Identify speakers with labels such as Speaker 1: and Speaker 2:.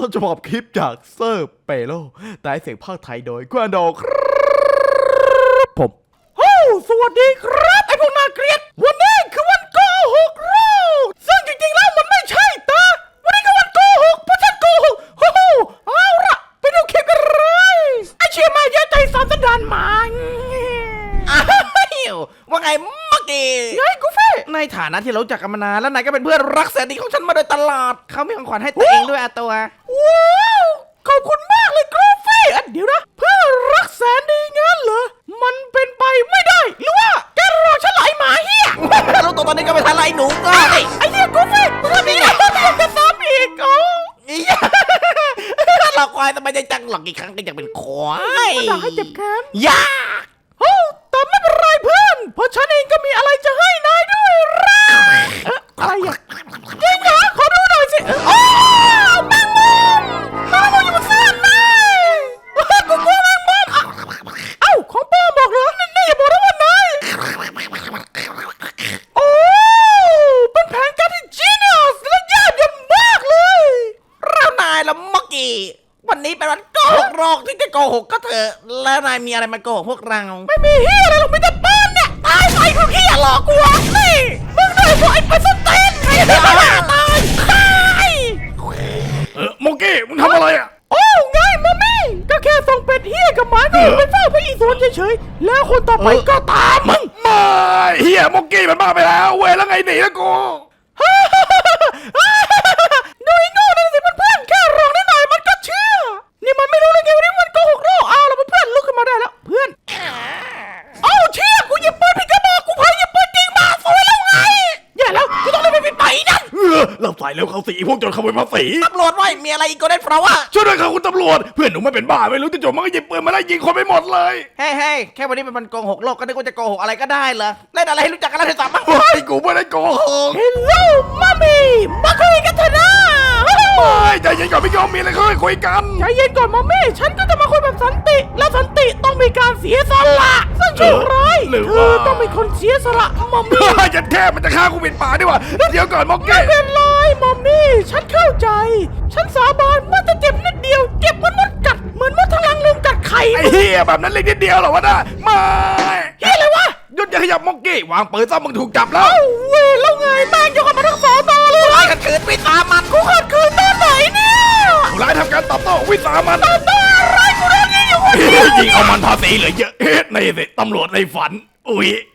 Speaker 1: ต้นฉบับคลิปจากเซอร์เปโลแต่เสียงภาคไทยโดยกวนโดครับผมสวัสดีครับไอพวกน่าเกลียดวันนี้คือวันโกหกเราซึ่งจริงๆแล้วมันไม่ใช่ตาวันนี้คือวันโกหกเพราะฉันโกหกเอาละไปดูคลิปกันเลยไอเชี่ยมาเยอะใจสามสันดานหมา
Speaker 2: ว่าไงเมื่อกี้
Speaker 1: ไงกูเฟ่
Speaker 2: ในฐานะที่เรารู้จักกันมานานแล้วนายก็เป็นเพื่อนรักแสนดีของฉันมาโดยตลอดเขามีของขวัญให้ตัวเองด้วยอะตัว
Speaker 1: ว้าวขอบคุณมากเลยกราฟี่เดี๋ยวนะเพื่อรักแสนดีงั้นเหรอมันเป็นไปไม่ได้หรือว่าแกรอฉันไหลหมาเฮีย
Speaker 2: รู้ตัวตอนนี้ก็ไม่ทันไรหนูก็
Speaker 1: ไอ้เฮียกูเฟ่มึงทำนี่นะจะซ้ำอีก
Speaker 2: หลอกควายทำไมจะจังหลอกกี่ครั้งก็ยังเป็นควาย
Speaker 1: มันด่าให้เจ็บแค้น
Speaker 2: ยา
Speaker 1: แต่ไม่เป็นไรเพื่อนเพราะฉันเองก็มีอะไรจะให้นายด้วยรักอะไรอ่ะจริงเหรอขอดูหน่อยสิแมงมุมอยู่บนเสื้อนายกูกลัวแมงมุมของป้าบอกเหรอนี่อย่าบอกนะว่านายเป็นแผนการที่ genius และยอดเยี่ยมมากเลย
Speaker 2: แล้วนายละเมื่อกี้วันนี้เป็นวันโกหกโรคที่จะโกหกก็เถอะแล้วนายมีอะไรมาโกหกพวกเรา
Speaker 1: ไม่มีเฮียอะไรหรอกไม่จะปืนเนี่ยตายไปพวกเฮียหลอกกูนี่มึงได้พวกไอ้ปัสเตนไอ้ตาย
Speaker 3: โมกี้มึงทำอะไรอ่ะ
Speaker 1: ไงมัมมี่ก็แค่ส่งเป็ดเฮียกับหมาหนูไปเฝ้าพระอิศวรเฉยๆแล้วคนต่อไปก็ตามมึง
Speaker 3: ไม่เฮียโมกี้มันบ้าไปแล้วเว้ยแล้วไงหนีแล้วกู
Speaker 1: ดูไอ้โง่นั่นสิเพื่อนแค่ร้องนิดหน่อยมันก็เชื่อนี่มันไม่รู้เลยไงว่านี่มันโกหกโลกแล้วเพื่อนลุกขึ้นมาได้แล้วเพื่อนเชี่ยกูหยิบปืนผิดกระบอกกูเพิ่งหยิบปืนจริงมาสวยแล้วไงอย่าแล้วกูต้องเลยไปไปนั่น
Speaker 3: เราใส่แล้วเขาสีพวกโจรขโมยภาษี
Speaker 2: ตำรวจไว้มีอะไรอีกก็ได้เพราะว่า
Speaker 3: ช่วยด้วยครับคุณตำรวจเพื่อนหนูไม่เป็นบ้าไม่รู้จะโจมมันก็หยิบปืนมาไล่ยิงคนไปหมดเลย
Speaker 2: เฮ้ยแค่วันนี้เป็นวันโกหกโลกก็นึกว่าจะโกหกอะไรก็ได้เหรอเล่นอะไรให้รู้จักกันแล้วเถอะสัมมา
Speaker 3: เฮ้ยกูไม่ได้โกหก
Speaker 1: Hello มัมมี่มาคุยกันเถอะนะ
Speaker 3: ไม่ใจเย็นก่อนพี่ยอมมีอะไรค่อยคุยกัน
Speaker 1: ใจเย็นก่อนมัมมี่ฉันก็จะมาคุยแบบสันติและสันติต้องมีการเสียสละซึ่งชั่วร้ายเธอต้องเป็นคนเสียสละมัมมี่
Speaker 3: จะแค่มันจะฆ่ากูปิดป่าดีกว่าเดี๋ยวก่อนโมกี้
Speaker 1: ไม่เป็นไรมัมมี่ฉันเข้าใจฉันสาบานว่าจะเจ็บนิดเดียวเจ็บเหมือนมดกัดเหมือนมดทะลังลมกัดไข่
Speaker 3: ไอ้เฮียแบบนั้นเล็กนิดเดียวเหรอวะน่ะไม่
Speaker 1: เฮ้ยอะไรวะ
Speaker 3: หยุดอย่าขยับโมกี้วางปืนซะมึงถูกจับแล้ว
Speaker 1: เว้ยแล้วไงแม่งยกกันมาทั้งสองตอเลย
Speaker 2: ไล่กันขืนวิสามัน
Speaker 1: กูขัดขืนตอนไหนเนี่ย
Speaker 3: ผู้ร้ายทำการตอบโต้วิสามัน
Speaker 1: ตัวอะไรกูโดนยิงอยู่คนเดียว
Speaker 3: ยิงเอามันภาษีเหลือเยอะเฮ็ดในสิตำรวจในฝันอุ้ย